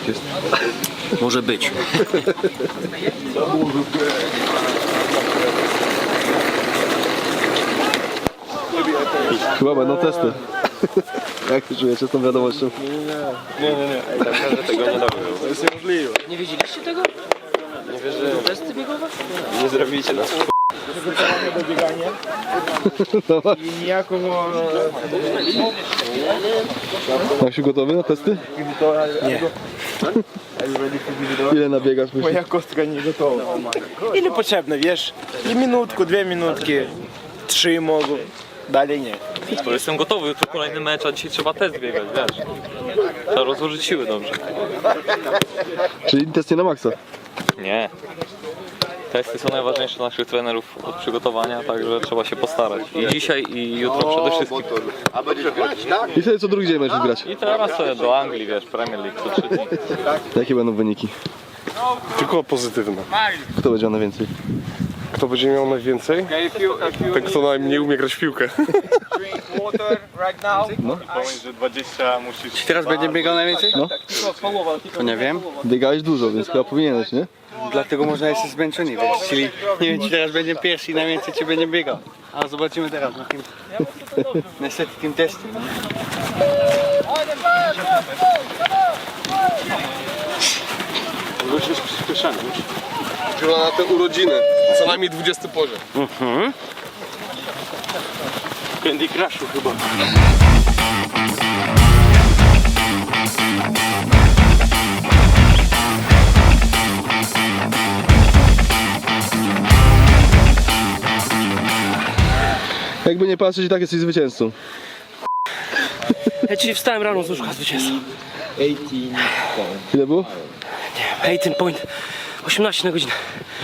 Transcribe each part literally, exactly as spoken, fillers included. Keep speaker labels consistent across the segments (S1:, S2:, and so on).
S1: jest.
S2: Może być.
S1: Chyba będą testy. Jak się czujecie z tą wiadomością?
S3: Nie, nie, nie. Tak naprawdę tego nie robią. To jest niemożliwe.
S4: Nie wiedzieliście tego?
S3: Nie wierzymy.
S4: Testy biegowe?
S3: Nie zrobicie nas.
S5: Przygotowanie do biegania i niejako
S1: Jak się gotowy na testy?
S5: nie.
S1: Ile nabiegasz myślisz?
S5: Moja kostka nie gotowa. Ile potrzebne, wiesz? I minutku, dwie minutki, trzy mogą, dalej nie.
S3: To jestem gotowy, jutro kolejny mecz, a dzisiaj trzeba test biegać, wiesz. Trzeba rozłożyć siły dobrze.
S1: Czyli test nie na maksa.
S3: Nie. Testy są najważniejsze dla naszych trenerów od przygotowania, także trzeba się postarać. I dzisiaj, i jutro przede wszystkim.
S1: I wtedy co drugi dzień będziesz grać.
S3: I teraz sobie do Anglii, wiesz, Premier League co trzy dni.
S1: Jakie będą wyniki?
S6: Tylko pozytywne.
S1: Kto będzie miał najwięcej?
S6: Kto będzie miał najwięcej? Ten, kto najmniej umie grać w piłkę.
S3: Pomiędzy dwadzieścia musisz...
S2: Czy teraz będzie biegał najwięcej?
S1: No.
S2: To nie wiem.
S1: Biegałeś dużo, więc chyba powinieneś, nie?
S2: Dlatego można jesteś zmęczony, wiesz. Czyli nie wiem, czy teraz będzie pierwszy i najwięcej czy będzie biegał. Ale zobaczymy teraz na tym. Niestety tym testem.
S6: Już jest przyspieszony. Chyba na te urodziny. Co najmniej dwudziesty poziom.
S2: Mhm.
S6: Candy Crushu chyba.
S1: Jakby nie patrzeć, i tak jesteś zwycięzcą.
S4: Ja dzisiaj wstałem rano z łóżka zwycięzcą.
S1: Ile było?
S4: osiemnaście point. osiemnaście na godzinę.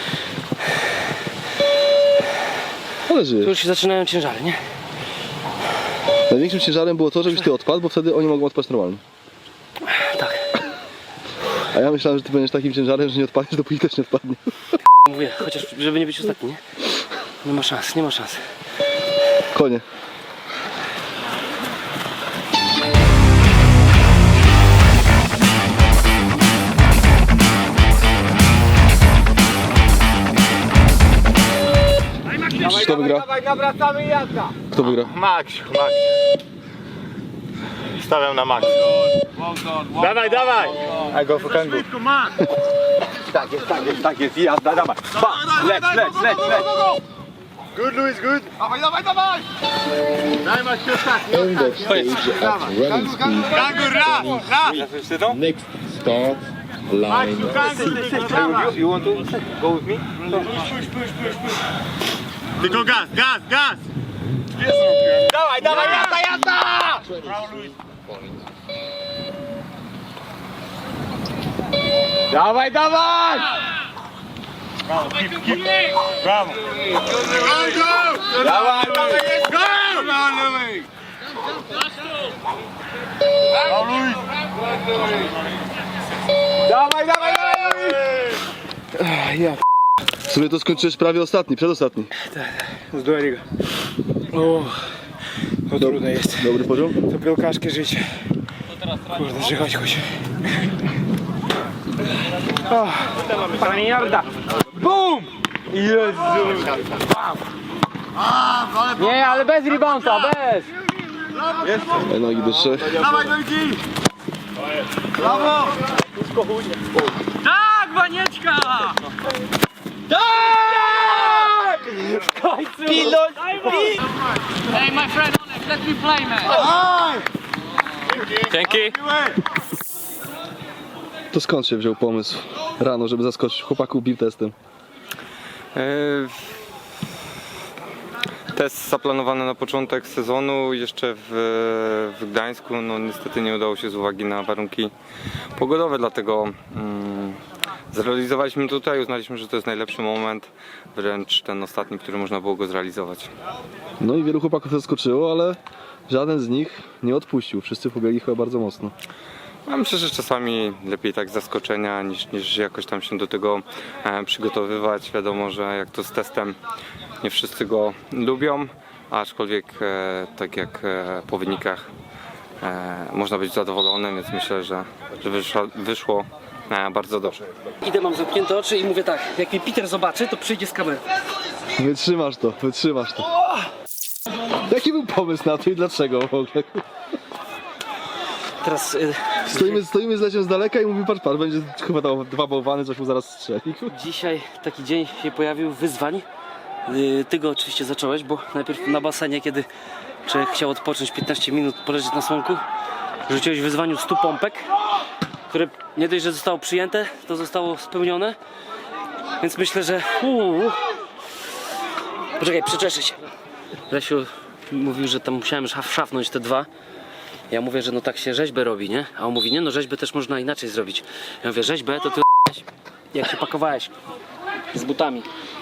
S1: Ale
S4: Tu
S1: żyjesz.
S4: już się zaczynają ciężary, nie?
S1: Największym ciężarem było to, żebyś ty odpadł, bo wtedy oni mogą odpaść normalnie.
S4: Tak.
S1: A ja myślałem, że ty będziesz takim ciężarem, że nie odpadniesz, dopóki też nie odpadnie.
S4: Mówię, chociaż żeby nie być ostatni, nie? Nie ma szans, nie ma szans.
S1: Konie. Kto wygra?
S5: Nawracamy jazda.
S1: Kto wygra?
S5: Max, Max. Stawiam na Max. Dawaj, dawaj. I go for kangu. Tak jest, tak jest, tak jest. Jazda, dawaj. Pa, leć, leć, leć, leć. Good, Luis, good. Dawaj, dawaj, dawaj. Daj ma się ostatni. Kangu, kangu, raz, raz.
S7: Next start line.
S5: You, you want to go with me? Push, push, push, push. Tylko gaz, gaz, gaz. Dawaj, dawaj, jazda, jazda. Brawo, Luis. Dawaj, dawaj! Brawo, keep, keep. Brawo. Go, go! Dawaj, dawaj, let's go! Brawo, Luis. Brawo, Luis. Dawaj, dawaj, dawaj, Luis!
S1: W sumie to skończyłeś prawie ostatni, przedostatni.
S5: Zdori go. O, to trudne jest.
S1: Dobry poziom?
S5: To piłkarskie życie. Kurde, żychać chodź. Panie Jarda! BUM! Jezu! Nie, ale bez rebounda, bez!
S1: Daj nogi do trzech.
S5: Dawaj, nogi! Brawo! Tak, Banieczka! Tak! W końcu! Pilot!
S4: Hey my friend, let me play, man.
S3: Dzięki!
S1: To skąd się wziął pomysł rano, żeby zaskoczyć chłopaków bił testem?
S8: Test zaplanowany na początek sezonu, jeszcze w, w Gdańsku, no niestety nie udało się z uwagi na warunki pogodowe, dlatego mm, zrealizowaliśmy tutaj, uznaliśmy, że to jest najlepszy moment, wręcz ten ostatni, który można było go zrealizować.
S1: No i wielu chłopaków zaskoczyło, ale żaden z nich nie odpuścił. Wszyscy pobiegli chyba bardzo mocno.
S8: Ja myślę, że czasami lepiej tak z zaskoczenia niż, niż jakoś tam się do tego e, przygotowywać. Wiadomo, że jak to z testem nie wszyscy go lubią, aczkolwiek e, tak jak e, po wynikach e, można być zadowolonym, więc myślę, że, że wyszło, wyszło e, bardzo dobrze.
S4: Idę, mam zamknięte oczy i mówię tak, jak mnie Peter zobaczy, to przyjdzie z kamerą.
S1: Wytrzymasz to, wytrzymasz to. Jaki był pomysł na to i dlaczego w ogóle?
S4: Teraz y,
S1: Stoimy, stoimy z Leciem z daleka i mówi, patrz, patrz, będzie chyba tam dwa bałwany, coś mu zaraz strzeli.
S4: dzisiaj taki dzień się pojawił wyzwań. Y, Ty go oczywiście zacząłeś, bo najpierw na basenie, kiedy człowiek chciał odpocząć piętnaście minut, poleżeć na słonku, rzuciłeś w wyzwaniu stu pompek, które nie dość, że zostało przyjęte, to zostało spełnione. Więc myślę, że... Uu, poczekaj, przeczeszę się. Lesiu mówił, że tam musiałem szaf szafnąć te dwa. Ja mówię, że no tak się rzeźbę robi, nie? A on mówi, nie no, rzeźbę też można inaczej zrobić. Ja mówię, rzeźbę to ty jak się pakowałeś z butami.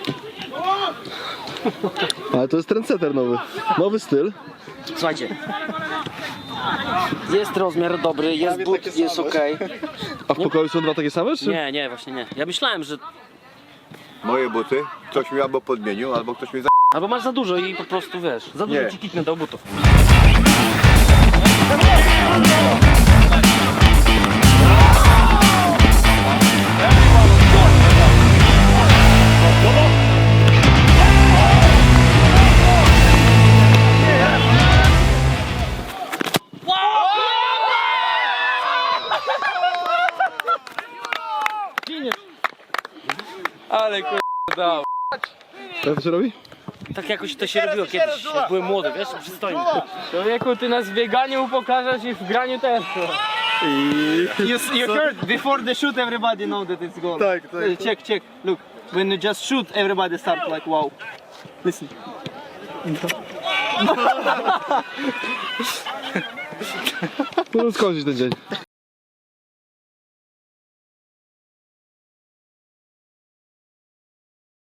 S1: Ale to jest trendsetter nowy. Nowy styl.
S4: Słuchajcie. Jest rozmiar dobry, jest but, jest okej.
S1: A w pokoju są dwa takie same, czy?
S4: Nie, nie, właśnie nie. Ja myślałem, że
S5: Moje buty, ktoś mi albo podmienił, albo ktoś mi za...
S4: albo masz za dużo i po prostu wiesz, za dużo
S5: Nie.
S4: ci kiknę do butów.
S3: Ale kur... dał.
S1: Jak to się robi?
S4: Tak jakoś to się robiło kiedyś, jak byłem młody, wiesz, przystojny.
S3: Człowieku, ty nas w bieganiu pokażesz i w graniu też.
S2: You, you heard before the shoot, everybody know that it's goal.
S1: Tak, tak.
S2: Check, check. Look, when you just shoot, everybody start like wow. Listen.
S1: No skądś ten dzień.